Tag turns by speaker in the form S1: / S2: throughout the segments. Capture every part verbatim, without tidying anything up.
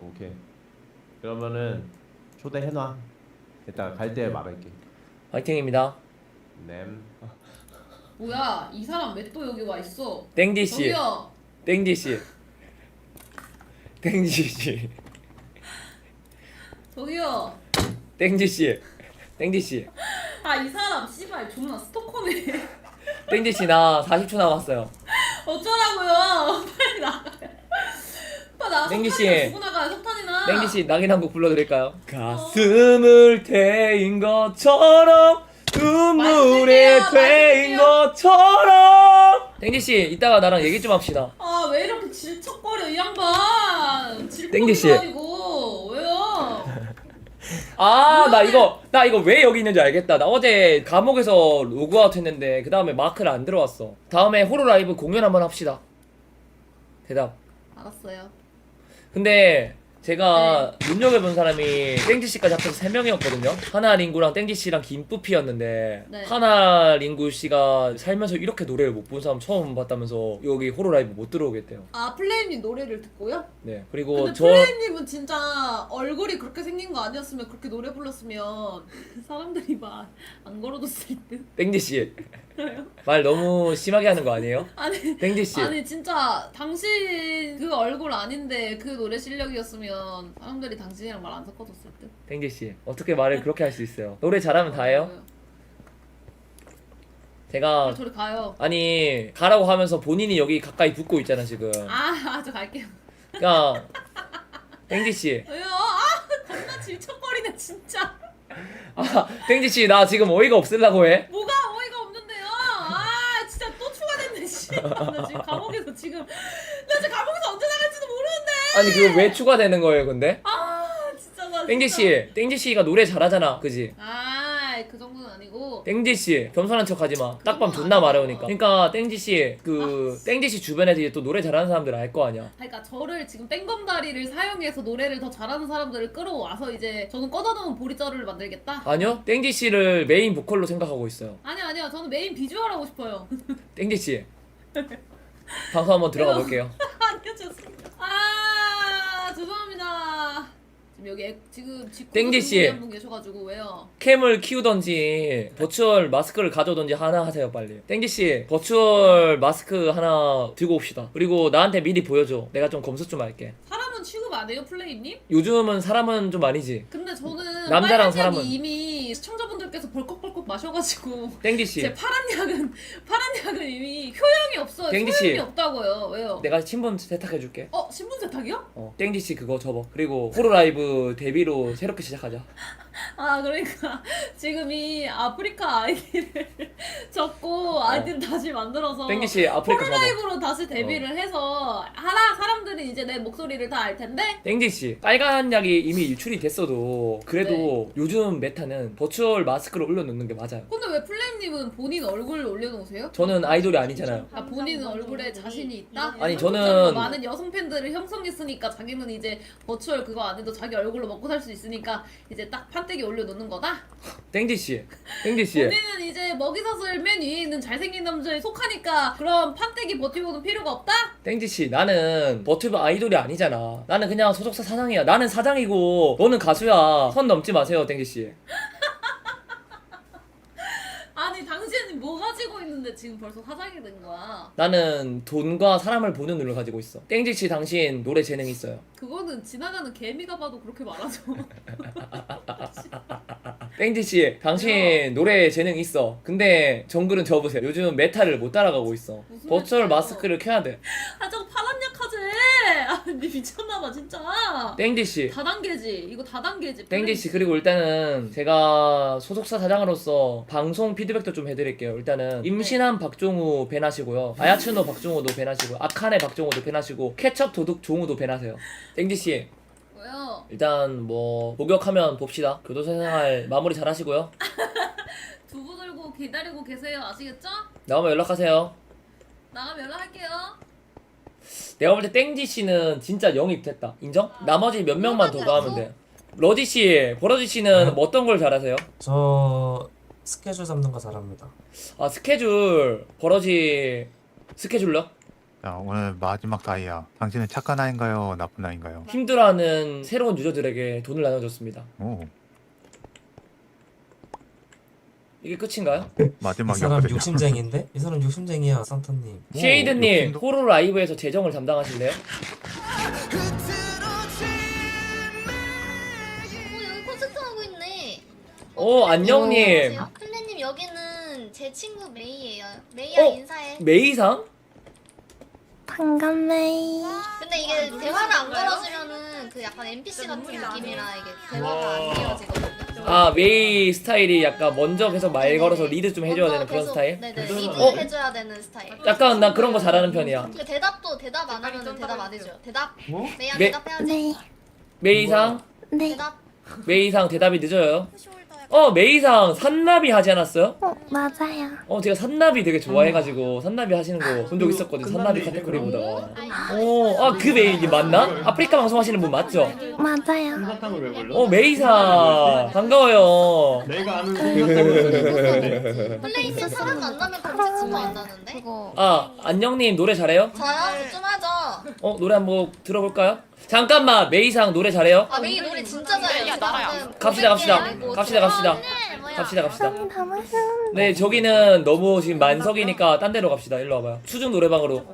S1: 오케이. 그러면은 초대해놔. 이따 갈 때 말할게.
S2: 화이팅입니다.
S1: 냄.
S3: 뭐야 이 사람 왜 또 여기 와 있어?
S2: 땡지 씨.
S3: 저기요.
S2: 땡지 씨. 땡지 씨.
S3: 저기요.
S2: 땡지 씨. 땡지 씨.
S3: 아 이 사람 씨발 존나 스토커네.
S2: 땡지 씨 나 사십 초 남았어요.
S3: 어쩌라고요? 빨리 나가요. 빨리 나가.
S2: 땡기 씨.
S3: 석탄이나 주고 나가요. 석탄이나.
S2: 땡지 씨 낙인 한 곡 불러드릴까요? 가슴을 태인 것처럼 눈물에
S3: 말씀해요,
S2: 태인
S3: 말씀해요.
S2: 것처럼. 땡지 씨 이따가 나랑 얘기 좀 합시다.
S3: 아 왜 이렇게 질척거려 이 양반.
S2: 땡기 씨.
S3: 질척거려 이거 왜요?
S2: 아 나 이거 나 이거 왜 여기 있는지 알겠다. 나 어제 감옥에서 로그아웃 했는데 그 다음에 마크를 안 들어왔어. 다음에 호로 라이브 공연 한번 합시다. 대답.
S3: 알았어요.
S2: 근데 제가 눈여겨본 사람이 땡지씨까지 합쳐서 세 명이었거든요. 하나 링구랑 땡지씨랑 김뿌피였는데
S3: 네.
S2: 하나 링구씨가 살면서 이렇게 노래를 못 본 사람 처음 봤다면서 여기 호로 라이브 못 들어오겠대요.
S3: 아 플레임님 노래를 듣고요?
S2: 네 그리고
S3: 근데
S2: 저
S3: 플레임님은 진짜 얼굴이 그렇게 생긴 거 아니었으면 그렇게 노래 불렀으면 사람들이 막 안 걸어줬을 듯.
S2: 땡지씨 말 너무 심하게 하는 거 아니에요?
S3: 아니
S2: 땡지씨
S3: 아니 진짜 당신 그 얼굴 아닌데 그 노래 실력이었으면 사람들이 당신이랑 말 안 섞어줬을 듯.
S2: 땡지씨 어떻게 말을 그렇게 할 수 있어요? 노래 잘하면 다예요? 제가
S3: 빨리 저리 가요.
S2: 아니 가라고 하면서 본인이 여기 가까이 붙고 있잖아 지금.
S3: 아, 저 갈게요.
S2: 그러니까 땡지씨
S3: 왜요? 아, 겁나 질척거리네 진짜.
S2: 아 땡지씨 나 지금 어이가 없으려고 해?
S3: 뭐가 어이가 없는데요? 아, 진짜 또 추가됐네 씨. 나 지금 감옥에서 지금 나 지금 감옥에서 언제 나갈지도 모르는데.
S2: 아니 그거 왜 추가되는 거예요 근데?
S3: 아, 진짜 나.
S2: 땡지씨 땡지씨가 노래 잘하잖아 그지?
S3: 아, 그 정도는 아니고.
S2: 땡지씨 겸손한 척 하지마. 딱밤 존나 마려우니까. 그러니까 땡지씨 그 땡지씨 주변에서 이제 또 노래 잘하는 사람들 알 거 아니야.
S3: 그러니까 저를 지금 땡검다리를 사용해서 노래를 더 잘하는 사람들을 끌어와서 이제 저는 꺼다놓은 보리자루를 만들겠다?
S2: 아니요 땡지씨를 메인 보컬로 생각하고 있어요.
S3: 아니요 아니요 저는 메인 비주얼 하고 싶어요.
S2: 땡지씨 방송 한번 들어가 볼게요.
S3: 아니요 죄송합니다. 아 죄송합니다. 지금 여기 애- 지금 직구
S2: 땡지 씨.
S3: 한분 계셔가지고 왜요?
S2: 캠을 키우던지 버추얼 마스크를 가져오던지 하나 하세요 빨리. 땡지씨 버추얼 마스크 하나 들고 옵시다. 그리고 나한테 미리 보여줘. 내가 좀 검수 좀 할게.
S3: 사람은 취급 안 해요 플레임님?
S2: 요즘은 사람은 좀 아니지.
S3: 근데 저는
S2: 남자랑
S3: 빨간 약이
S2: 사람은.
S3: 이미 시청자분들께서 벌컥벌컥 마셔가지고
S2: 땡지씨
S3: 제 파란 약은 파란 약은 이미 효용이 없어요.
S2: 땡지
S3: 소용이
S2: 씨.
S3: 없다고요. 왜요?
S2: 내가 신분 세탁해줄게.
S3: 어 신분 세탁이요?
S2: 어 땡지씨 그거 접어. 그리고 호로라이브 데뷔로 새롭게 시작하자.
S3: 아 그러니까 지금 이 아프리카 아이디를 적고 아이디를 다시 만들어서
S2: 땡기씨 아프리카 접어.
S3: 폴라이브로 다시 데뷔를 해서 하나 사람들이 이제 내 목소리를 다 알 텐데
S2: 땡지씨 빨간 약이 이미 유출이 됐어도 그래도 요즘 메타는 버추얼 마스크를 올려놓는 게 맞아요.
S3: 근데 왜 플레임님은 본인 얼굴 올려놓으세요?
S2: 저는 아이돌이 아니잖아요.
S3: 아 본인은 얼굴에 자신이 있다?
S2: 아니,
S3: 그렇잖아.
S2: 저는-
S3: 많은 여성 팬들을 형성했으니까 자기는 이제 버추얼 그거 안 해도 자기 얼굴로 먹고 살 수 있으니까 이제 딱 판때기 올려놓는 거다?
S2: 땡지씨 땡지씨
S3: 본인은 이제 먹이사슬 맨 위에 있는 잘생긴 남자에 속하니까 그런 판때기 버티고는 필요가 없다?
S2: 땡지씨 나는 버튜브 아이돌이 아니잖아. 나는 그냥 소속사 사장이야. 나는 사장이고 너는 가수야. 선 넘지 마세요 땡지씨.
S3: 아니 당신이 뭐 가지고 있는데 지금 벌써 사장이 된 거야?
S2: 나는 돈과 사람을 보는 눈을 가지고 있어. 땡지씨 당신 노래 재능 있어요.
S3: 그거는 지나가는 개미가 봐도 그렇게 말하죠.
S2: 땡지씨 당신 노래 재능 있어. 근데 정글은 접으세요. 요즘 메타를 못 따라가고 있어.
S3: 무슨
S2: 버추얼
S3: 메타요?
S2: 마스크를 켜야 돼.
S3: 아 저거 파란 약하지? 아, 니 미쳤나봐 진짜.
S2: 땡지씨
S3: 다단계지. 이거 다단계지.
S2: 땡지씨 그리고 일단은 제가 소속사 사장으로서 방송 피드백도 좀 해드릴게요. 일단은 임신한 박종우 밴하시고요. 아야츠노 박종우도 밴하시고 아카네 박종우도 밴하시고 케첩 도둑 종우도 밴하세요. 땡지씨
S3: 왜요?
S2: 일단 뭐 목욕하면 봅시다. 교도소 생활 마무리 잘 하시고요.
S3: 두부 들고 기다리고 계세요. 아시겠죠?
S2: 나오면 연락하세요.
S3: 나가면 연락할게요.
S2: 내가 볼 때 땡지씨는 진짜 영입됐다. 인정? 나머지 몇 명만 더 가면 돼. 러지씨, 버러지씨는 뭐 어떤 걸 잘하세요?
S4: 저 스케줄 잡는 거 잘합니다.
S2: 아 스케줄 버러지 스케줄러?
S4: 자, 오늘 마지막 다이아. 당신은 착한 아인가요? 나쁜 아인가요?
S2: 힘들어하는 새로운 유저들에게 돈을 나눠줬습니다.
S4: 오,
S2: 이게 끝인가요?
S5: 이
S4: 마지막이
S5: 사람
S4: 없거든요.
S5: 욕심쟁인데? 이 사람 욕심쟁이야, 산타님.
S4: 오,
S2: 쉐이드님
S4: 욕심도-
S2: 호로 라이브에서 재정을 담당하실래요?
S6: 어, 여기 콘서트 하고 있네.
S2: 오 안녕님.
S6: 플레님 여기는 제 친구 메이예요. 메이야
S2: 어?
S6: 인사해.
S2: 메이상?
S7: 반갑네.
S6: 근데 이게 대화를 안 걸어주면은 그 약간 엠피씨 같은 느낌이라 이게 대화가 안 이어지거든요.
S2: 아 메이 스타일이 약간 먼저 계속 말 걸어서 리드 좀 해줘야
S6: 먼저
S2: 되는 그런
S6: 계속,
S2: 스타일?
S6: 네네 리드
S2: 어?
S6: 해줘야 되는 스타일.
S2: 약간 나 그런 거 잘하는 편이야.
S6: 그 대답도 대답 안 하면 대답 안 해줘요. 대답. 메이야
S2: 메-
S6: 대답해야지.
S7: 네,
S2: 메이상?
S7: 네.
S6: 대답.
S2: 메이상 대답이 늦어요. 어 메이상 산나비 하지 않았어요?
S7: 어, 맞아요.
S2: 어 제가 산나비 되게 좋아해가지고 산나비 하시는 거 본 적 있었거든. 산나비 카테고리 보다가. 어아그 메이 맞나? 아프리카 방송하시는 분 맞죠?
S7: 맞아요.
S2: 어 메이상 반가워요.
S8: 내가 아는 솜사탕은
S6: 플레이면 사람 만나면 검색도 한다는데?
S7: 그거
S2: 아 안녕님 노래 잘해요?
S6: 저요? 좀 하죠.
S2: 어 노래 한번 들어볼까요? 잠깐만 메이상 노래 잘해요?
S6: 아 메이 노래 진짜 잘해요. 방금
S2: 갑시다 갑시다
S6: 고백해.
S2: 갑시다 갑시다
S6: 아, 네, 뭐야.
S2: 갑시다 갑시다.
S7: 땀이 다 마셨는데.
S2: 네 저기는 너무 지금 만석이니까 딴 데로 갑시다. 일로 와봐요. 수중 노래방으로.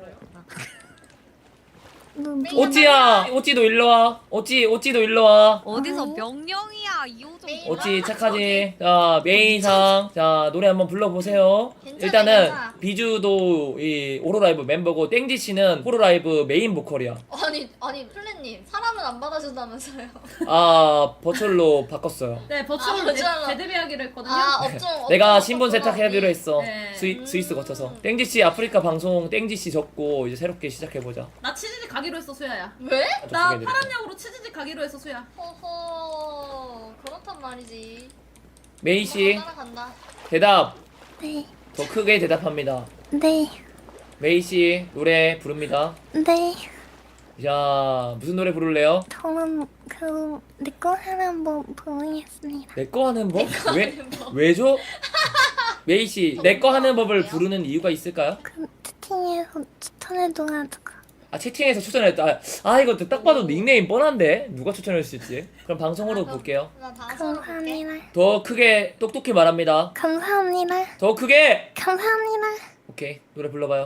S7: 눈
S2: 오찌야 오찌도 일로 와. 오찌 오찌도 일로 와.
S9: 어디서 명령이야 이호정.
S2: 오찌 착하지. 자 메이상 자 노래 한번 불러보세요.
S6: 괜찮아,
S2: 일단은
S6: 괜찮아.
S2: 비주도 이 오로라이브 멤버고 땡지 씨는 호로라이브 메인 보컬이야.
S6: 아니 아니 플랜님 사람은 안 받아준다면서요?
S2: 아 버추얼로 바꿨어요.
S3: 네
S6: 아,
S3: 버추얼로
S6: 버추얼로.
S3: 재데뷔하기로 했거든요.
S6: 아 업종 업종
S2: 내가 신분
S6: 바꿔서.
S2: 세탁하기로 했어.
S3: 네.
S2: 스위, 스위스 거쳐서. 땡지 씨 아프리카 방송 땡지 씨 접고 이제 새롭게 시작해 보자.
S3: 나 치즈직 가기로 했어 수야야.
S6: 왜?
S3: 나 파란 약으로 치즈직 가기로 했어 수야.
S6: 허허 그렇단 말이지.
S2: 메이 씨
S6: 따라간다.
S2: 대답
S7: 네,
S2: 더 크게 대답합니다.
S7: 네,
S2: 메이 씨 노래 부릅니다.
S7: 네.
S2: 자 무슨 노래 부를래요?
S7: 저는 그 내거 하나 한번 보겠습니다.
S2: 내 거 하는 법? 왜 왜죠? 메이 씨내 거 하는 법을 부르는 이유가 있을까요?
S7: 그 채팅에서 추천해줘가지고.
S2: 아 채팅에서 추천했다. 아, 아 이거 딱 봐도 닉네임 뻔한데 누가 추천했을지. 그럼 방송으로 볼게요.
S6: 나 방송으로 볼게.
S7: 감사합니다.
S2: 더 크게 똑똑히 말합니다.
S7: 감사합니다.
S2: 더 크게.
S7: 감사합니다.
S2: 오케이 노래 불러봐요.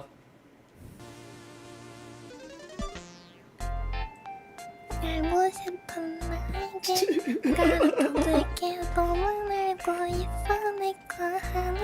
S7: 알고 싶은 나에게 가르쳐줄게. 너무 알고 있어 내거 하는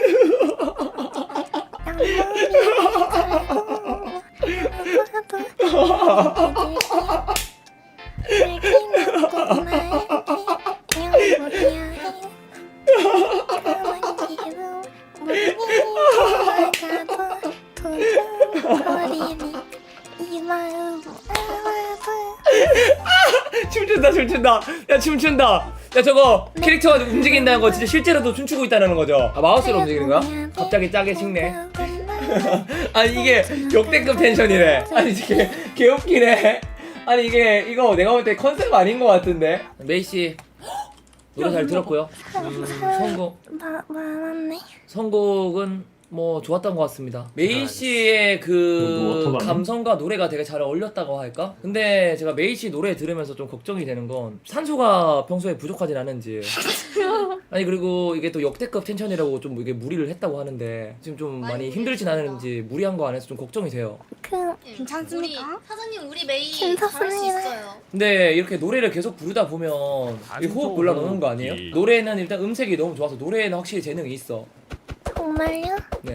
S7: 이 마음 알아도
S2: 춤춘다 춤춘다 야 춤춘다 야 저거 캐릭터가 움직인다는 거 진짜 실제로도 춤추고 있다는 거죠? 아 마우스로 움직이는 거야? 갑자기 짜게 식네. 아니 이게 역대급 텐션이래. 아니 이게 개웃기네. 아니 이게 이거 내가 볼 때 컨셉 아닌 것 같은데. 메이 씨 노래 잘 들었고요. 음, 선곡
S7: 마, 많았네.
S2: 선곡은 뭐 좋았던 것 같습니다. 메이
S5: 아,
S2: 씨의 그
S8: 너 어떡하니?
S2: 감성과 노래가 되게 잘 어울렸다고 할까? 근데 제가 메이 씨 노래 들으면서 좀 걱정이 되는 건 산소가 평소에 부족하진 않은지. 아니 그리고 이게 또 역대급 텐션이라고 좀 이게 무리를 했다고 하는데 지금 좀 많이
S6: 많이
S2: 힘들진
S6: 무리했습니다.
S2: 않은지 무리한 거 안 해서 좀 걱정이 돼요.
S7: 그
S9: 괜찮습니까?
S6: 우리 사장님 우리 메이 잘할 수
S7: 괜찮습니다.
S6: 있어요.
S2: 근데 이렇게 노래를 계속 부르다 보면 이 호흡 곤란오는 거 아니에요? 노래는 일단 음색이 너무 좋아서 노래에는 확실히 재능이 있어.
S7: 정말요?
S2: 네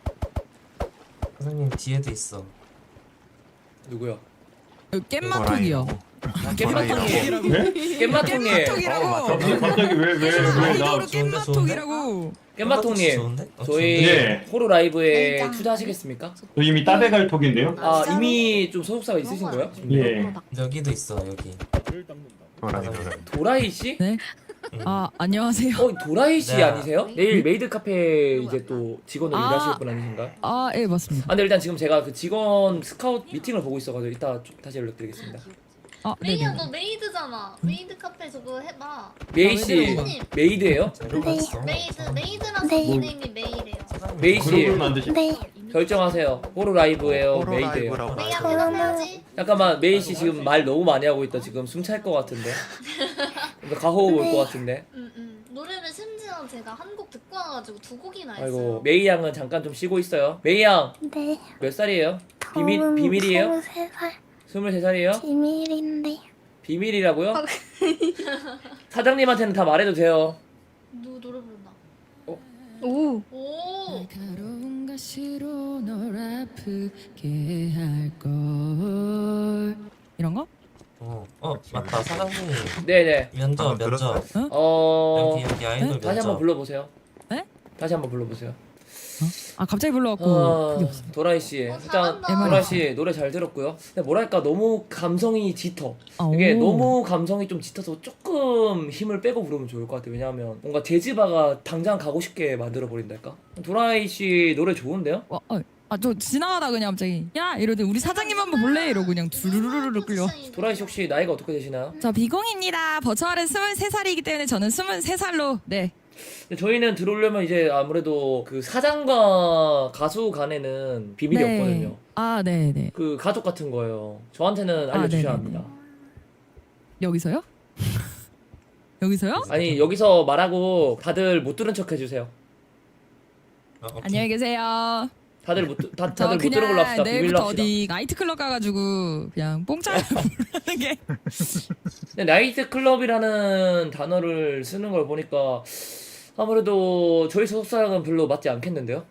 S5: 사장님 뒤에도 있어.
S2: 누구요?
S10: 깻마톡이요.
S2: 아, 깻마통님.
S8: 네?
S2: 깻마통님.
S8: 갑자기 갑자기 왜왜왜나
S10: 아이돌로
S5: 좋은데,
S10: 깻마톡이라고.
S2: 깻마통님.
S5: 좋은데? 어,
S2: 저희
S8: 네.
S2: 호로 라이브에
S6: 네.
S2: 투자하시겠습니까?
S8: 저 이미 따배갈 톡인데요?
S2: 아 이미 좀 소속사가 있으신 거예요?
S8: 예.
S5: 좋은데? 여기도 있어 여기.
S4: 도라이 도라이.
S2: 도라이 씨?
S10: 네. 아 안녕하세요.
S2: 어 도라이 씨
S5: 네.
S2: 아니세요? 내일 메이드 카페 이제 또 직원으로
S10: 아.
S2: 일하실 분 아니신가요?
S10: 아 예 맞습니다.
S2: 아 근데 일단 지금 제가 그 직원 스카우트 미팅을 보고 있어가지고 이따 좀 다시 연락드리겠습니다.
S10: 아
S6: 메이야
S10: 네네.
S6: 너 메이드잖아. 메이드 카페 저거 해봐.
S2: 메이 씨
S6: 사장님.
S2: 메이드예요?
S5: 재료가 있어.
S6: 메이드 메이드라서
S7: 네.
S6: 닉네임이 메이래요.
S5: 사장님
S2: 메이 씨.
S8: 그룹을 만드시.
S7: 네,
S2: 결정하세요. 호로 라이브예요,
S4: 호로
S2: 메이드예요.
S4: 라이브라고
S6: 메이야
S4: 하죠.
S6: 대답해야지.
S2: 잠깐만 메이 씨 지금 말 너무 많이 하고 있다. 지금 숨 찰 것 같은데. 가호흡 올 것 같은데.
S6: 음, 음. 노래를 심지어 제가 한 곡 듣고 와가지고 두 곡이나 했어요.
S2: 아이고 메이 양은 잠깐 좀 쉬고 있어요. 메이 양 몇
S7: 네.
S2: 살이에요? 비밀
S7: 저는
S2: 비밀이에요?
S7: 스물세 살
S2: 스물세 살이에요?
S7: 비밀인데.
S2: 비밀이라고요? 사장님한테는 다 말해도 돼요.
S6: 누 노래 부른다.
S9: 오.
S6: 오.
S10: 날카로운 가시로 널 아프게 할걸. 이런 거?
S5: 어, 어 맞다 사장님
S2: 네네.
S5: 면접
S4: 방금
S5: 면접
S2: 어
S5: 여기 여기 아이돌
S10: 네?
S2: 다시 한번
S5: 면접.
S2: 불러보세요.
S10: 네?
S2: 다시 한번 불러보세요.
S10: 아 갑자기 불러갖고
S2: 어,
S10: 그게 없어.
S2: 도라이 씨
S6: 어,
S2: 일단
S6: 잘한다.
S2: 도라이 씨 노래 잘 들었고요. 근데 뭐랄까 너무 감성이 짙어.
S10: 아,
S2: 이게
S10: 오.
S2: 너무 감성이 좀 짙어서 조금 힘을 빼고 부르면 좋을 것 같아요. 왜냐하면 뭔가 재즈바가 당장 가고 싶게 만들어 버린달까. 도라이 씨 노래 좋은데요?
S10: 어, 어. 아저 지나가다 그냥 갑자기 야 이러더니 우리 사장님 한번 볼래? 이러고 그냥 두루루루루 끌려.
S2: 도라이 씨 혹시 나이가 어떻게 되시나요?
S10: 저 비공입니다. 버추얼은 스물세 살이기 때문에 저는 스물세 살로 네.
S2: 근데 저희는 들어오려면 이제 아무래도 그 사장과 가수 간에는 비밀이
S10: 네.
S2: 없거든요.
S10: 아 네네.
S2: 그 가족 같은 거예요. 저한테는
S10: 아,
S2: 알려주셔야
S10: 네네네.
S2: 합니다.
S10: 여기서요? 여기서요?
S2: 아니 여기서 말하고 다들 못 들은 척 해주세요.
S5: 어, 오케이.
S10: 안녕히 계세요.
S2: 다들 못 들- 다,
S10: 저
S2: 다들 못 들은 걸로
S10: 그냥
S2: 합시다. 비밀로
S10: 내일부터
S2: 합시다.
S10: 어디 나이트클럽 가가지고 그냥 뽕짜리 부르는 게
S2: 근데 나이트 클럽이라는 단어를 쓰는 걸 보니까 아무래도 저희 소속사랑은 별로 맞지 않겠는데요?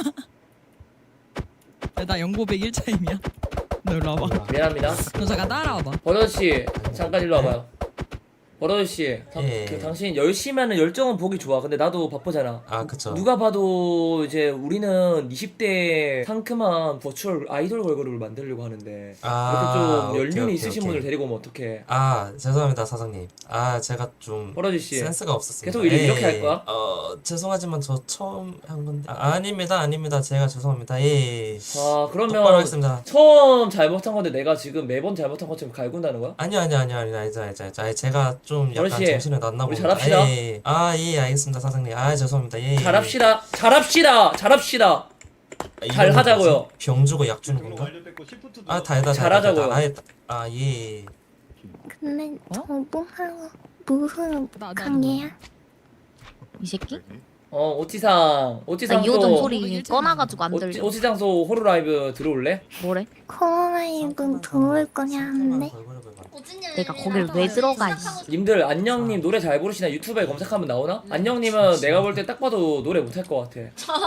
S10: 나 연고백 일 차임이야. 너 일로 와봐.
S2: 미안합니다.
S10: 너 잠깐 따라와봐.
S2: 버러씨 잠깐 일로 와봐요. 버러씨
S5: 예.
S2: 그 당신 열심히 하는 열정은 보기 좋아. 근데 나도 바쁘잖아.
S5: 아 그쵸.
S2: 누가 봐도 이제 우리는 이십 대 상큼한 버추얼 아이돌 걸그룹을 만들려고 하는데
S5: 아,
S2: 이렇게 좀
S5: 오케이,
S2: 연륜이
S5: 오케이,
S2: 있으신
S5: 오케이.
S2: 분을 데리고 오면 어떡해.
S5: 아 죄송합니다 사장님. 아 제가 좀
S2: 버러지씨
S5: 센스가 없었습니다.
S2: 계속 이렇게
S5: 예,
S2: 할
S5: 예.
S2: 거야?
S5: 어 죄송하지만 저 처음 한 건데. 아, 아닙니다 아닙니다 제가 죄송합니다. 예. 예.
S2: 아
S5: 똑바로
S2: 그러면
S5: 하겠습니다.
S2: 처음 잘못한 건데 내가 지금 매번 잘못한 것처럼 갈군다는 거야?
S5: 아니요 아니요 아니요 아니요 아니죠 아니죠 아니죠. 아니, 제가 좀 약간
S2: 버러지,
S5: 정신을 놨나
S2: 우리
S5: 봅니다.
S2: 잘합시다.
S5: 예, 예. 아 예 알겠습니다 사장님. 아 죄송합니다. 예, 예.
S2: 잘합시다 잘합시다 잘합시다
S5: 아, 이거는
S2: 잘 하자고요.
S5: 뭐지? 병 주고 약 주는 건가? 아 다이다
S2: 잘하자고요.
S5: 아예
S7: 근데
S10: 어?
S7: 저 뭐하고 무슨
S10: 나, 나,
S7: 관계야?
S9: 이 새끼?
S2: 어 오치상
S9: 나
S2: 오치상소
S9: 이호정 소리 꺼놔가지고 안
S2: 오치,
S9: 들려.
S2: 오치상소 호루 라이브 들어올래?
S9: 뭐래?
S7: 코로나이브 들어올 거냐는데.
S9: 내가 거길 왜 들어가, 이씨.
S2: 님들 안녕님 노래 잘 부르시나 유튜브에 검색하면 나오나? 안녕님은 내가 볼 때 딱 봐도 노래 못할 것 같아.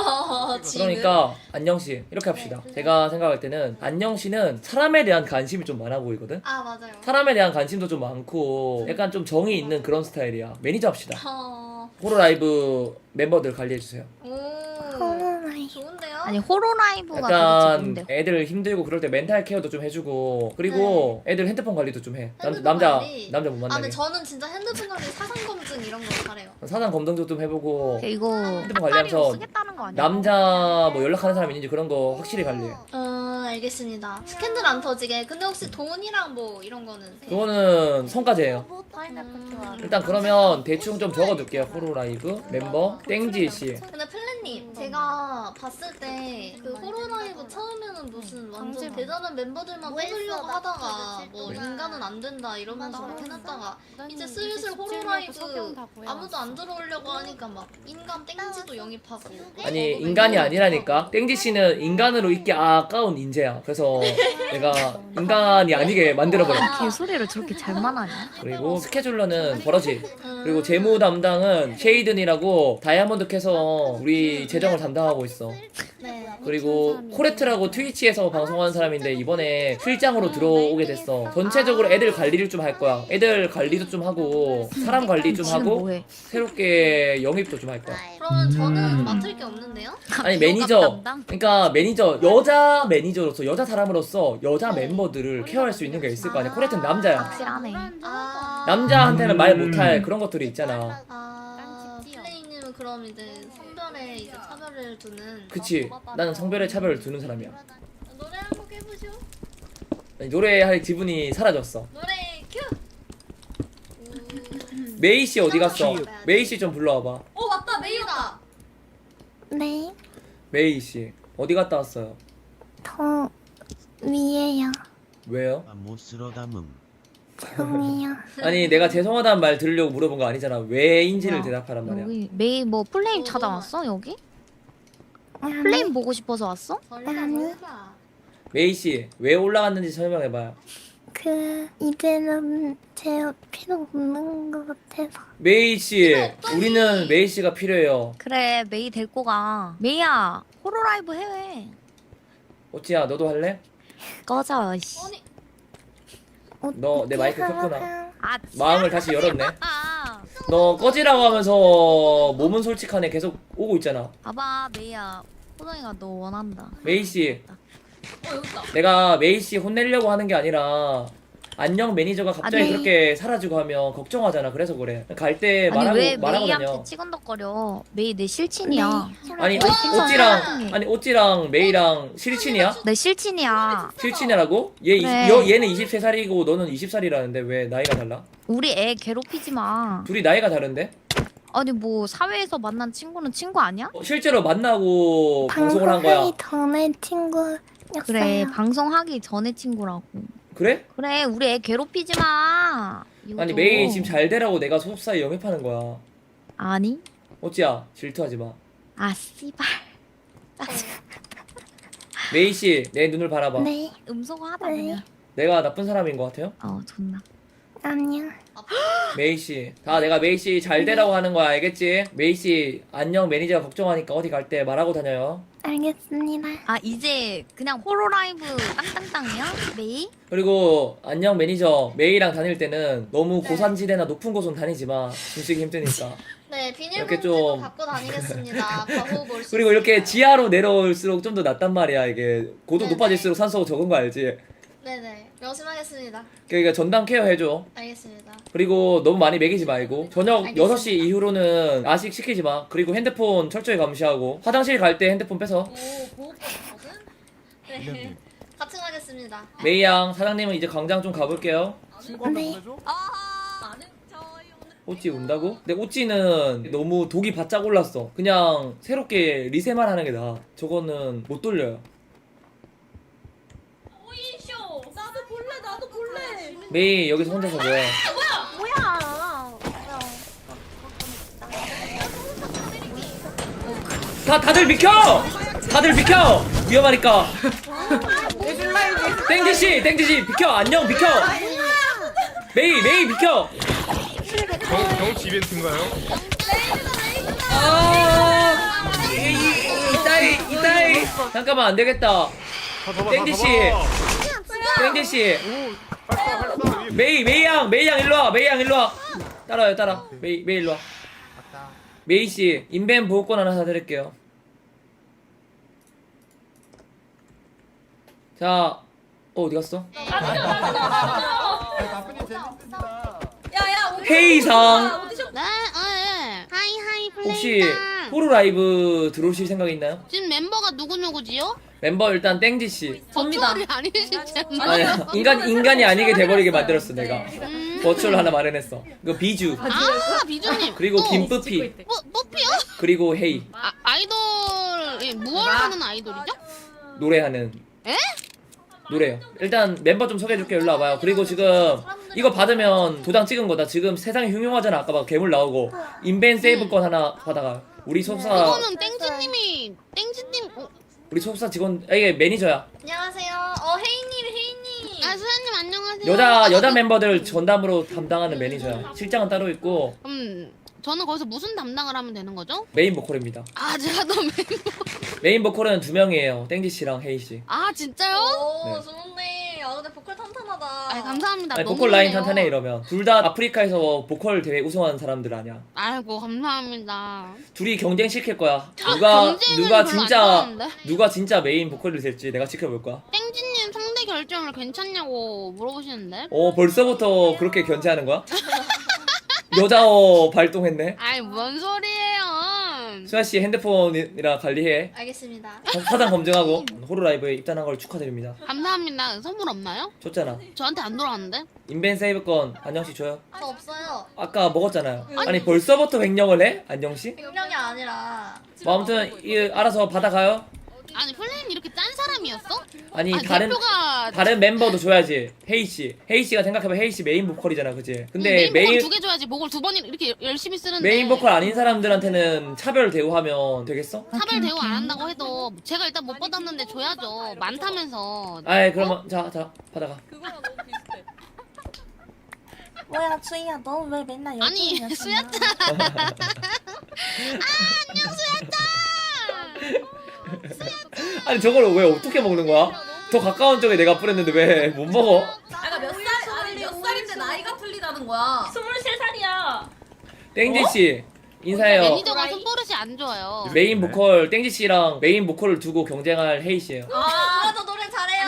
S2: 그러니까 안녕씨 이렇게 합시다. 제가 생각할 때는 안녕씨는 사람에 대한 관심이 좀 많아 보이거든?
S6: 아 맞아요.
S2: 사람에 대한 관심도 좀 많고 약간 좀 정이 있는 그런 스타일이야. 매니저 합시다.
S6: 어.
S2: 호루 라이브 멤버들 관리해주세요.
S6: 오.
S7: 코로나이브.
S6: 좋은데요?
S9: 아니 호로라이브가 되게
S2: 약간
S9: 좋은데.
S2: 애들 힘들고 그럴 때 멘탈 케어도 좀 해주고 그리고 애들 핸드폰 관리도 좀 해. 남,
S6: 핸드폰
S2: 남자
S6: 관리?
S2: 남자 못
S6: 아
S2: 만나게.
S6: 근데 저는 진짜 핸드폰 관리 사상 검증 이런 거 잘해요.
S2: 사상 검증도 좀 해보고
S9: 이거
S2: 핸드폰
S9: 핫다리로
S2: 관리하면서
S9: 쓰겠다는 거 아니야?
S2: 남자 뭐 연락하는 사람 있는지 그런 거 확실히 관리해.
S6: 어 알겠습니다. 스캔들 안 터지게. 근데 혹시 돈이랑 뭐 이런 거는?
S2: 그거는 성과제예요.
S6: 음.
S2: 일단 그러면 대충 좀 적어둘게요. 호루 라이브 멤버 땡지 씨.
S6: 근데 플랜님 제가 봤을 때 그 호로라이브 처음에는 무슨 완전 대단한 멤버들만 뽑으려고 하다가 뭐 인간은 안 된다 이러면서 막 해놨다가 이제 슬슬 호로라이브 아무도 안 들어오려고 하니까 막 인간 땡지도 영입하고
S2: 아니 인간이 아니라니까. 땡지 씨는 인간으로 있기 아까운 인재야. 그래서 내가 인간이 아니게 만들어버려.
S9: 개소리를 저렇게 잘 말하냐?
S2: 그리고 스케줄러는 버러지. 그리고 재무 담당은 쉐이든이라고 다이아몬드 캐서 우리 재정을 담당하고 있어.
S6: 네.
S2: 그리고 코레트라고 트위치에서 방송하는 사람인데 이번에 실장으로 들어오게 됐어. 전체적으로 애들 관리를 좀 할 거야. 애들 관리도 좀 하고 사람 관리 좀
S9: 지금
S2: 하고
S9: 뭐해?
S2: 새롭게 영입도 좀 할 거야.
S6: 그러면 저는 맡을 게 없는데요?
S2: 아니 매니저, 그러니까 매니저 여자 매니저로서 여자 사람으로서 여자 멤버들을 케어할 수 있는 게 있을 거 아니야. 코레트는 남자야.
S9: 확실하네.
S6: 아
S2: 남자한테는 말 못할 그런 것들이 있잖아.
S6: 아 플레이님은 그럼 이제 성별에 이제 차별을 두는.
S2: 그치? 나는 성별의 차별을 두는 사람이야.
S6: 노래 한 곡 해보쇼.
S2: 아니, 노래할 기분이 사라졌어.
S6: 노래 큐.
S2: 메이 씨 어디 갔어? 메이 씨 좀 불러와봐.
S6: 어 맞다 메이다.
S7: 네.
S2: 메이 씨. 어디 갔다 왔어요?
S7: 더 위에요.
S2: 왜요?
S11: 못쓰러 담음.
S7: 죄송해요.
S2: 아니 내가 죄송하다는 말 들으려고 물어본 거 아니잖아. 왜인지를
S9: 야,
S2: 대답하란 말이야.
S9: 여기 메이 뭐 플레임 찾아왔어 여기? 플레임 보고 싶어서 왔어?
S7: 아니.
S2: 메이 씨 왜 올라갔는지 설명해봐요.
S7: 그 이제는 제 필요 없는 것 같아서.
S2: 메이 씨 우리는 메이 씨가 필요해요.
S9: 그래 메이 데리고 가. 메이야 호로라이브 해외.
S2: 어찌야 너도 할래?
S9: 꺼져 씨.
S2: 너 내 마이크
S7: 어떻게
S2: 켰구나.
S7: 하라고요?
S9: 아
S2: 마음을 다시 열었네.
S9: 아.
S2: 너 꺼지라고 하면서 몸은 솔직하네 계속 오고 있잖아.
S9: 봐봐 메이야. 호동이가 너 원한다.
S2: 메이 씨
S3: 어 여기 있다.
S2: 내가 메이 씨 혼내려고 하는 게 아니라 안녕 매니저가 갑자기
S9: 아니.
S2: 그렇게 사라지고 하면 걱정하잖아. 그래서 그래. 갈 때
S9: 아니
S2: 말하고
S9: 왜
S2: 말하고
S9: 메이한테
S2: 다녀.
S9: 치근덕거려. 메이 내 실친이야.
S2: 아니
S9: 왜 괜찮아?
S2: 오찌랑 아니 오찌랑 메이랑 실친이야?
S9: 내 실친이야.
S2: 실친이라고? 얘
S9: 그래.
S2: 이- 여, 얘는 이십세 살이고 너는 이십 살이라는데 왜 나이가 달라?
S9: 우리 애 괴롭히지 마.
S2: 둘이 나이가 다른데?
S9: 아니 뭐 사회에서 만난 친구는 친구 아니야?
S2: 어, 실제로 만나고 방송을 한 거야.
S7: 방송하기 전에 친구였어요.
S9: 그래 방송하기 전에 친구라고.
S2: 그래?
S9: 그래 우리 애 괴롭히지 마.
S2: 아니
S9: 이거도.
S2: 메이 지금 잘 되라고 내가 소속사에 영입하는 거야.
S9: 아니?
S2: 어찌야 질투하지 마.
S9: 아 씨발.
S2: 메이 씨 내 눈을 바라봐.
S7: 네.
S9: 음소거하다
S7: 네.
S9: 그냥.
S2: 내가 나쁜 사람인 것 같아요?
S9: 어 존나.
S7: 아니요.
S2: 메이 씨, 다 내가 메이 씨 잘 되라고 하는 거야, 알겠지? 메이 씨 안녕 매니저가 걱정하니까 어디 갈 때 말하고 다녀요.
S7: 알겠습니다.
S9: 아 이제 그냥 호로라이브 땅땅땅이야? 메이?
S2: 그리고 안녕 매니저 메이랑 다닐 때는 너무 고산지대나 높은 곳은 다니지 마. 숨쉬기 힘드니까.
S6: 네
S2: 이렇게
S6: 비닐봉지도
S2: 좀-
S6: 갖고 다니겠습니다. 과호 볼수
S2: 그리고 이렇게 지하로 내려올수록 좀 더 낫단 말이야. 이게 고도
S6: 네네.
S2: 높아질수록 산소가 적은 거 알지?
S6: 네네 명심하겠습니다.
S2: 그러니까 전담 케어 해줘.
S6: 알겠습니다.
S2: 그리고 너무 많이 먹이지 말고 저녁
S6: 알겠습니다.
S2: 여섯 시 이후로는 야식 시키지 마. 그리고 핸드폰 철저히 감시하고 화장실 갈 때 핸드폰 뺏어.
S6: 오 보호법거든. 네 같이 가겠습니다.
S2: 메이 양 사장님은 이제 광장 좀 가볼게요.
S7: 네.
S3: 나는 저희 오늘
S2: 오찌 운다고? 근데 오찌는 너무 독이 바짝 올랐어. 그냥 새롭게 리세만 하는 게 나아. 저거는 못 돌려요.
S3: 오이쇼. 나도 볼래 나도 볼래.
S2: 메이 여기서 혼자서 뭐해? 다 다들 비켜! 다들 비켜! 위험하니까. 땡지씨 땡지씨 비켜 안녕 비켜. 메이 메이 비켜.
S4: 경치 이벤트인가요?
S2: 아 이- 이- 이따이 이따이 잠깐만 안 되겠다. 땡지씨 땡지씨 메이 메이 양 메이 양 일로 와 메이 양 일로 와 따라요 따라 메이 메이 일로 와. 메이 씨 인벤 보호권 하나 사드릴게요. 자, 어 어디 갔어?
S3: 야야
S2: 회의상
S3: 오디션
S6: 네, 네. 하이 하이
S2: 혹시 호루 라이브 들어오실 생각 있나요?
S6: 지금 멤버가 누구 누구지요?
S2: 멤버 일단 땡지 씨.
S3: 접니다.
S6: 아니시지?
S2: 아니야 인간 인간이 아니게 돼버리게 만들었어 내가.
S6: 음.
S2: 버추얼 하나 마련했어. 이거 비주
S6: 아 비주님.
S2: 그리고 김뿌피
S6: 뭐 뽀삐요?
S2: 그리고 헤이
S6: 아 아이돌 무얼 하는 아이돌이죠?
S2: 노래하는.
S6: 에?
S2: 노래요. 일단 멤버 좀 소개해줄게. 일로 와봐요. 그리고 지금 이거 받으면 도장 찍은 거다. 지금 세상이 흉흉하잖아. 아까 막 괴물 나오고 인벤 세이브권 하나 받아가. 우리 소속사
S6: 그거는 땡지님이 땡지님. 어,
S2: 우리 소속사 직원 아, 이게 매니저야.
S6: 안녕하세요. 어 혜인님 혜인님. 아 수현님 안녕하세요.
S2: 여자 여자 멤버들 전담으로 담당하는 매니저야. 실장은 따로 있고
S6: 음 저는 거기서 무슨 담당을 하면 되는 거죠?
S2: 메인 보컬입니다.
S6: 아 제가 너 멤버.
S2: 메인 보컬은 두 명이에요. 땡지 씨랑 헤이 씨.
S6: 아 진짜요?
S2: 네.
S6: 오 좋은데. 아 근데 보컬 탄탄하다. 아 감사합니다.
S2: 아니,
S6: 너무
S2: 보컬 라인
S6: 좋네요.
S2: 탄탄해 이러면 둘 다 아프리카에서 보컬 대회 우승한 사람들 아니야.
S6: 아이고 감사합니다.
S2: 둘이 경쟁 시킬 거야. 누가
S6: 아, 경쟁은
S2: 누가
S6: 별로 안
S2: 진짜
S6: 좋아하는데?
S2: 누가 진짜 메인 보컬이 될지 내가 지켜볼 거야.
S6: 땡지님 상대 결정을 괜찮냐고 물어보시는데.
S2: 어 벌써부터 그렇게 견제하는 거야? 여자어 발동했네.
S6: 아이 뭔 소리예요?
S2: 수아 씨 핸드폰이라 관리해.
S6: 알겠습니다.
S2: 사- 사장 검증하고 호루 라이브에 입단한 걸 축하드립니다.
S6: 감사합니다. 선물 없나요?
S2: 줬잖아.
S6: 저한테 안 돌아왔는데?
S2: 인벤 세이브권 안녕 씨 줘요.
S6: 저 없어요.
S2: 아까 먹었잖아요. 아니 벌써부터 횡령을 해? 안녕 씨?
S6: 백령이 아니라.
S2: 뭐 아무튼 이, 알아서 받아가요.
S3: 아니 플레임 이렇게 짠 사람이었어?
S2: 아니
S3: 아니,
S2: 다른
S3: 대표가
S2: 다른 멤버도 줘야지. 헤이 씨, 헤이 씨가 생각해봐. 헤이 씨 메인 보컬이잖아, 그지? 근데
S3: 메인
S2: 메인
S3: 보컬 두개 줘야지. 목을 두 번 이렇게 열심히 쓰는데
S2: 메인 보컬 아닌 사람들한테는 차별 대우하면 되겠어?
S3: 차별 대우 안 한다고 해도 제가 일단 못 받았는데 줘야죠. 많다면서.
S2: 아이 그러면 자, 자 받아가.
S7: 뭐야 주희야 너 왜 맨날 여기
S3: 아니
S7: 있냐,
S3: 수야짱. 아 안녕 수야짱.
S2: 아니 저걸 왜 어떻게 먹는 거야? 더 가까운 쪽에 내가 뿌렸는데 왜 못 먹어?
S3: 아까 몇 살? 아니 몇 살인데 나이가 틀리다는 거야. 스물세 살이야.
S2: 땡지 씨 인사해요.
S3: 매니저가 손버릇이 안 좋아요.
S2: 메인 보컬 땡지 씨랑 메인 보컬을 두고 경쟁할 헤이 씨예요.
S6: 아, 저 노래 잘해요.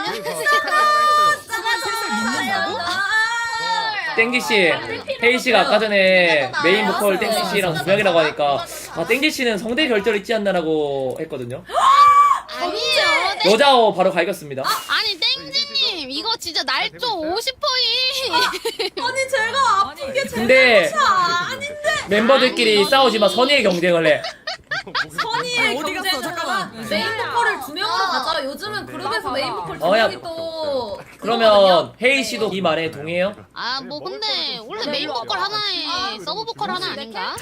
S2: 땡지 씨, 헤이 씨가 아까 전에 메인 보컬 땡지 씨랑 두 명이라고 하니까 아 땡지 씨는 성대 결절 있지 않나라고 했거든요.
S3: 아니에요. 땡-
S2: 여자어 바로 갈겼습니다.
S3: 아니 땡지님 이거 진짜 날조 오십 퍼이.
S6: 아니 제가 아프게
S2: 근데
S6: 아닌데
S2: 멤버들끼리
S3: 아니,
S2: 싸우지 마. 선의의 경쟁을 해.
S6: 선의의
S10: 어디 갔어? 잠깐만.
S6: 메인 보컬을 두 명으로 가자. 요즘은 그룹에서 메인 보컬 두
S2: 어, 야.
S6: 명이 또
S2: 그러면 헤이 씨도 이 말에 동의해요?
S3: 아 뭐 근데 원래 메인 보컬 하나에 서브 보컬 하나 아닌가?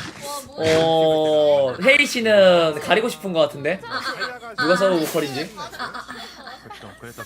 S2: 어 헤이 씨는 가리고 싶은 것 같은데 누가 서브 보컬인지.
S4: 그래서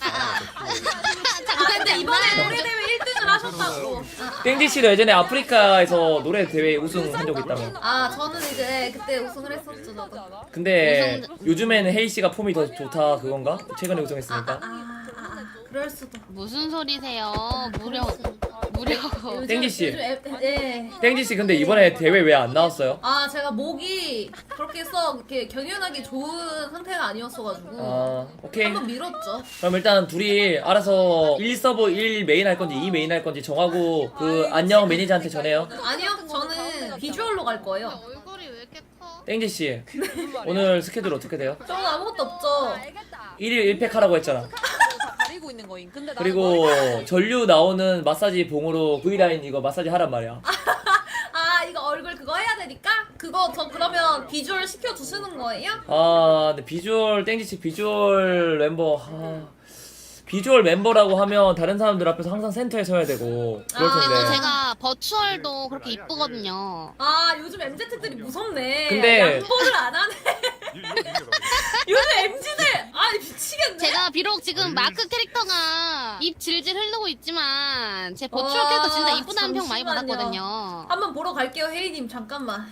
S6: 아 근데 이번에 노래 대회 일 등을 하셨다고.
S2: 땡지 씨도 예전에 아프리카에서 노래 대회 우승한 적 있다며.
S6: 아 저는 이제 그때 우승을 했었죠 저도.
S2: 근데 요즘에는 헤이 씨가 폼이 더 좋다 그건가? 최근에 우승했으니까.
S6: 아, 아, 아 그럴 수도.
S3: 무슨 소리세요? 무려 무려.
S2: 땡지 씨.
S6: 요즘 애- 예.
S2: 땡지 씨 근데 이번에 대회 왜 안 나왔어요?
S6: 아 제가 목이 그렇게 써 이렇게 경연하기 좋은 상태가 아니었어가지고
S2: 아 오케이.
S6: 한번 밀었죠.
S2: 그럼 일단 둘이 알아서 일 서브 일 메인 할 건지 이 메인 할 건지 정하고 그 안녕 매니저한테 전해요.
S6: 아니요 저는 비주얼로 갈 거예요.
S3: 얼굴이 왜 이렇게 커?
S2: 땡지 씨 오늘 스케줄 어떻게 돼요?
S6: 저는 아무것도 없죠.
S2: 일 일 일 팩 하라고 했잖아.
S10: 가리고 있는 거임. 근데 나
S2: 그리고 전류 나오는 마사지 봉으로 V라인 이거 마사지 하란 말이야.
S6: 아 이거 얼굴 그거 해야 되니까 그거 저 그러면 비주얼 시켜 주시는 거예요?
S2: 아 근데 비주얼 땡지씨 비주얼 멤버 아, 비주얼 멤버라고 하면 다른 사람들 앞에서 항상 센터에 서야 되고 그럴
S6: 아,
S3: 그리고
S2: 텐데.
S3: 제가 버추얼도 그렇게 이쁘거든요.
S6: 아 요즘 엠지들이 무섭네.
S2: 근데-
S6: 양보를 안 하네. 요즘 엠지들 아 미치겠네.
S3: 제가 비록 지금 마크 캐릭터가 입 질질 흐르고 있지만 제 버추얼
S6: 와,
S3: 캐릭터 진짜 이쁘다는 평 많이
S6: 잠시만요.
S3: 받았거든요.
S6: 한번 보러 갈게요 혜이님 잠깐만.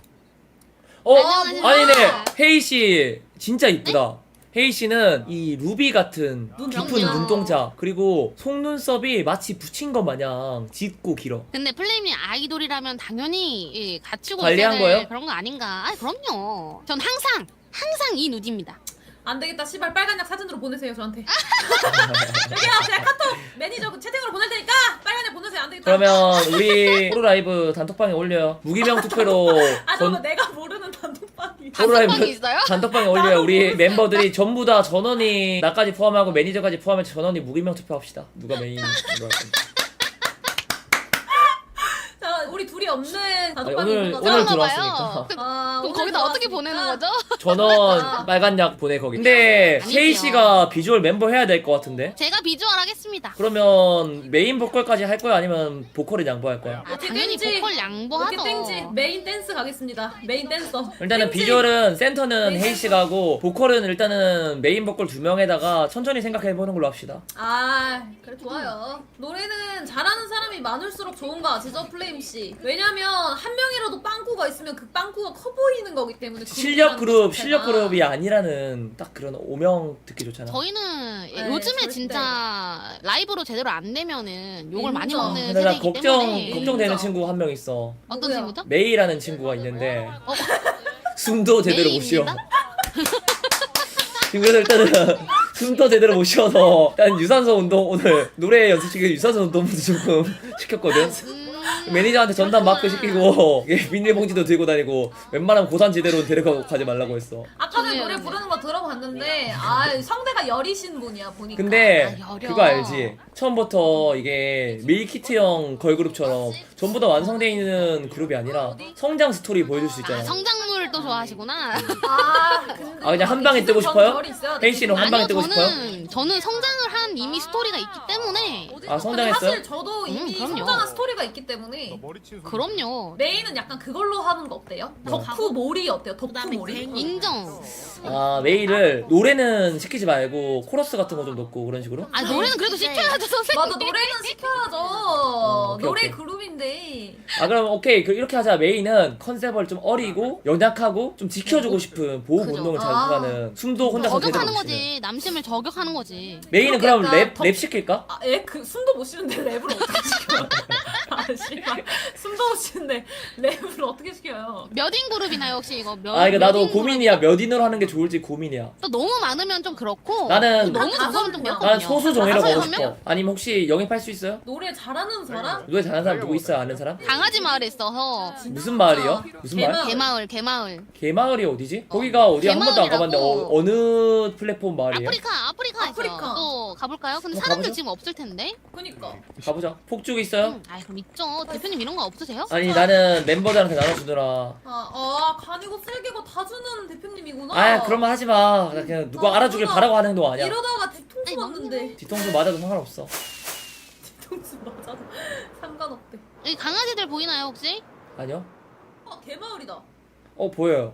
S2: 어
S3: 안녕하세요.
S2: 아니네 헤이 씨 진짜 이쁘다. 헤이 씨는 이 루비 같은 깊은
S3: 그럼요.
S2: 눈동자 그리고 속눈썹이 마치 붙인 것 마냥 짙고 길어.
S3: 근데 플레임이 아이돌이라면 당연히 예, 갖추고
S2: 관리한
S3: 있어야 될
S2: 거예요?
S3: 그런 거 아닌가? 아 그럼요. 전 항상 항상 이 누디입니다.
S6: 안 되겠다 시발 빨간 약 사진으로 보내세요 저한테. 여기요 제가 카톡 매니저 그 채팅으로 보낼 테니까 빨간 약 보내세요. 안 되겠다.
S2: 그러면 우리 호루 라이브 단톡방에 올려요. 무기명 투표로
S6: 아
S2: 전
S6: 저거 내가 모르는 단톡방이.
S2: 호루 라이브
S3: 단톡방이 있어요?
S2: 단톡방에 올려요. 우리 멤버들이 전부 다 전원이 나까지 포함하고 매니저까지 포함해서 전원이 무기명 투표합시다. 누가 메인으로 할 건지.
S6: 자 우리 둘이 없는
S2: 아니,
S6: 단톡방이
S2: 오늘
S6: 있는 거죠?
S2: 오늘
S3: 그런가
S2: 들어왔으니까.
S3: 봐요.
S6: 아,
S3: 그럼
S6: 오늘
S3: 거기다 어떻게
S6: 들어왔으니까.
S3: 보내는 거죠?
S2: 전원 빨간 약 보내 거기. 근데
S3: 아니지요.
S2: 세이 씨가 비주얼 member 해야 될 것 같은데.
S3: 제가 비주얼 하겠습니다.
S2: 그러면 메인 보컬까지 할 거야 아니면 보컬을 양보할 거야?
S3: 아, 당연히
S6: 땡지.
S3: 보컬
S6: 이렇게
S3: 양보하죠.
S6: 땡지 메인 댄스 가겠습니다. 메인 댄서.
S2: 일단은
S6: 땡지.
S2: 비주얼은 센터는
S6: 메인
S2: 헤이 씨가 하고 보컬은 일단은 메인 보컬 두 명에다가 천천히 생각해 보는 걸로 합시다.
S6: 아 그래 좋아요. 노래는 잘하는 사람이 많을수록 좋은 거 아시죠 플레임 씨? 왜냐면 한 명이라도 빵꾸가 있으면 그 빵꾸가 커 보이는 거기 때문에.
S2: 실력
S6: 그룹이라는
S2: 그룹
S6: 것 자체가.
S2: 실력 그룹이 아니라는 딱 그런 오명 듣기 좋잖아.
S3: 저희는 예,
S6: 네,
S3: 요즘에
S6: 절대.
S3: 진짜 라이브로 제대로 안 되면은 욕을 많이
S6: 인정.
S3: 먹는
S2: 근데 나
S3: 세대이기
S2: 걱정
S3: 때문에
S2: 걱정되는
S6: 인정.
S2: 친구 한 명 있어.
S3: 어떤
S6: 누구요?
S3: 친구죠?
S2: 메이라는 친구가 있는데
S3: 어,
S2: 숨도 제대로 못 쉬어.
S3: 메이입니다?
S2: 그래서 일단은 숨도 제대로 못 쉬어서 일단 유산소 운동 오늘 노래 연습 중에 유산소 운동부터 조금 시켰거든.
S3: 음,
S2: 매니저한테 전담 마크 시키고 비닐봉지도 들고 다니고 웬만하면 고산지대로 데려가고 가지 말라고 했어.
S3: 아까 전에
S9: 저기요,
S3: 노래
S9: 네.
S3: 부르는 거 들어봤는데 아 성대가 여리신 분이야 보니까.
S2: 근데
S9: 아, 여려.
S2: 그거 알지? 처음부터 이게 밀키트형 걸그룹처럼 전부 다 완성되어 있는 그룹이 아니라 성장 스토리 보여줄 수 있잖아.
S9: 성장물도 좋아하시구나.
S3: 아, 근데
S2: 아, 그냥 한 방에 뜨고
S3: 기승전
S2: 싶어요?
S3: 결이 있어야 돼.
S2: 혜인 씨는 한 방에
S9: 아니요,
S2: 뜨고 싶어요?
S9: 저는 저는 성장을 한 이미 스토리가 있기 때문에.
S2: 아, 성장했어요?
S3: 근데 사실 저도 이미
S9: 음, 그럼요.
S3: 성장한 스토리가 있기 때문에
S9: 그럼요.
S3: 메인은 약간 그걸로 하는 거 어때요? 덕후 몰이 어때요? 덕후 몰이?
S9: 인정.
S2: 아 메일을 노래는 시키지 말고 코러스 같은 거 좀 넣고 그런 식으로?
S9: 아 노래는 그래도 시켜야죠 선생님.
S3: 맞아 노래는 시켜야죠.
S2: 어, 오케이,
S3: 노래
S2: 오케이.
S3: 그룹인데.
S2: 아 그럼 오케이 그 이렇게 하자. 메인은 컨셉을 좀 어리고 연약하고 좀 지켜주고 싶은 보호
S9: 그죠.
S2: 본능을
S3: 아.
S2: 자극하는 숨도 혼자서 제대로
S9: 저격하는
S2: 못 쉬는.
S9: 거지. 남심을 저격하는 거지.
S2: 메인은
S3: 그렇게
S2: 그럼
S3: 약간
S2: 랩,
S3: 더-
S2: 랩 시킬까?
S3: 아, 애 그 숨도 못 쉬는데 랩을 어떻게 시켜요? 아, 씨발. 숨도 못 쉬는데 랩을 어떻게 시켜요?
S9: 몇 인 그룹이나요 혹시 이거? 몇,
S2: 아 이거
S9: 몇
S2: 나도
S9: 인
S2: 고민이야. 몇 인으로 하는 게 좋을지 고민이야.
S9: 또 너무 많으면 좀 그렇고.
S2: 나는-
S9: 너무
S3: 한
S9: 적으면 좀
S3: 다섯 명?
S9: 그렇거든요.
S2: 난 소수 정예라고
S9: 다섯
S2: 하고
S9: 명?
S2: 싶어. 아니면 혹시 영입할 수 있어요?
S3: 노래 잘하는 사람?
S2: 노래 잘하는 사람 누구 있어요? 아는 사람?
S9: 강아지 마을에 있어서.
S2: 무슨 마을이요? 무슨 마을?
S3: 개마을.
S9: 개마을 개마을.
S2: 개마을이 어디지? 거기가 어디야? 한 번도 안 가봤는데 어,
S9: 개마을이라고.
S2: 어느 플랫폼 마을이에요?
S9: 아프리카 아프리카 있어요.
S3: 아프리카.
S9: 또 가볼까요? 근데
S2: 어,
S9: 사람들
S2: 가보죠.
S9: 지금 없을 텐데.
S3: 그니까.
S2: 가보자. 폭죽 있어요?
S9: 음, 아 그럼 있죠. 대표님 이런 거 없으세요?
S2: 아니 나는 멤버들한테 나눠주느라.
S3: 아, 아 간이고 쓸개고 다 주는 대표님이구나.
S2: 아 그런 말 하지 마. 그냥 누가
S3: 아,
S2: 알아주길
S3: 누나.
S2: 바라고 하는 행동 아니야.
S3: 이러다가 뒤통수
S9: 아니,
S3: 맞는데.
S2: 뒤통수 맞아도 상관없어.
S3: 뒤통수 맞아도 상관없대.
S9: 여기 강아지들 보이나요 혹시?
S2: 아니요?
S3: 어 개마을이다.
S2: 어 보여요.